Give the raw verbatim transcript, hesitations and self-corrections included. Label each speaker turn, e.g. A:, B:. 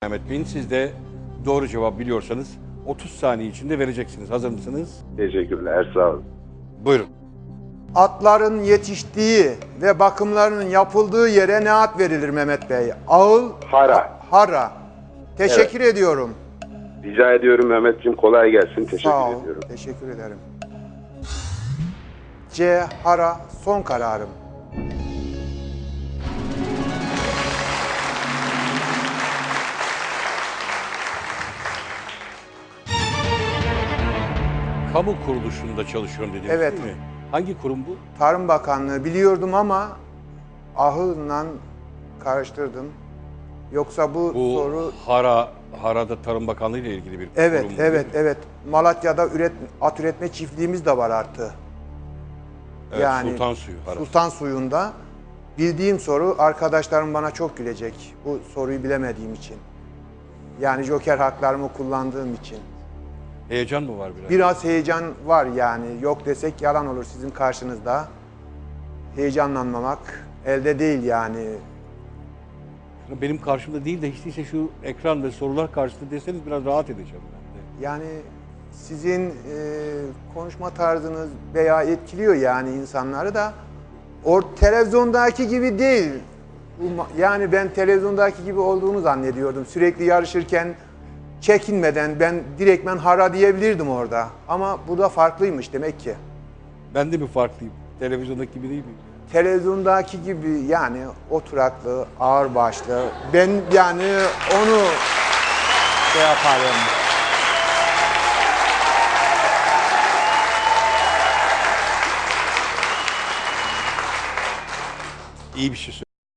A: Mehmet Bey'in, siz de doğru cevap biliyorsanız otuz saniye içinde vereceksiniz. Hazır mısınız?
B: Teşekkürler, sağ olun.
A: Buyurun.
C: Atların yetiştiği ve bakımlarının yapıldığı yere ne ad verilir Mehmet Bey? Ağıl,
B: Hara.
C: hara. Teşekkür ediyorum.
B: Rica ediyorum Mehmetciğim, kolay gelsin. Teşekkür
C: Sağ ol.
B: ediyorum.
C: Teşekkür ederim. C. Hara son kararım.
A: Kamu kuruluşunda çalışıyorum dediniz,
C: Evet.
A: değil mi? Hangi kurum bu?
C: Tarım Bakanlığı biliyordum ama ahılla karıştırdım. Yoksa bu,
A: Bu
C: soru
A: Hara, Hara'da Tarım Bakanlığı ile ilgili bir
C: evet
A: kurum.
C: evet evet Malatya'da üret at üretme çiftliğimiz de var artı.
A: Evet,
C: yani
A: Sultan Suyu. Hara.
C: Sultan Suyu'nda bildiğim soru, arkadaşlarım bana çok gülecek bu soruyu bilemediğim için. Yani joker haklarımı kullandığım için.
A: Heyecan mı var biraz?
C: Biraz heyecan var yani. Yok desek yalan olur sizin karşınızda. Heyecanlanmamak elde değil yani.
A: Benim karşımda değil de hiç değilse şu ekran ve sorular karşısında deseniz biraz rahat edeceğim ben de.
C: Yani sizin e, konuşma tarzınız veya etkiliyor yani insanları da. O televizyondaki gibi değil. Bu ma- Yani ben televizyondaki gibi olduğunu zannediyordum. Sürekli yarışırken çekinmeden ben direktmen hara diyebilirdim orada. Ama bu da farklıymış demek ki.
A: Ben de mi farklıyım? Televizyondaki gibi değil miyim?
C: Televizyondaki gibi yani oturaklı, ağırbaşlı. Ben yani onu şey yaparım.
A: İyi bir şey söylüyorum.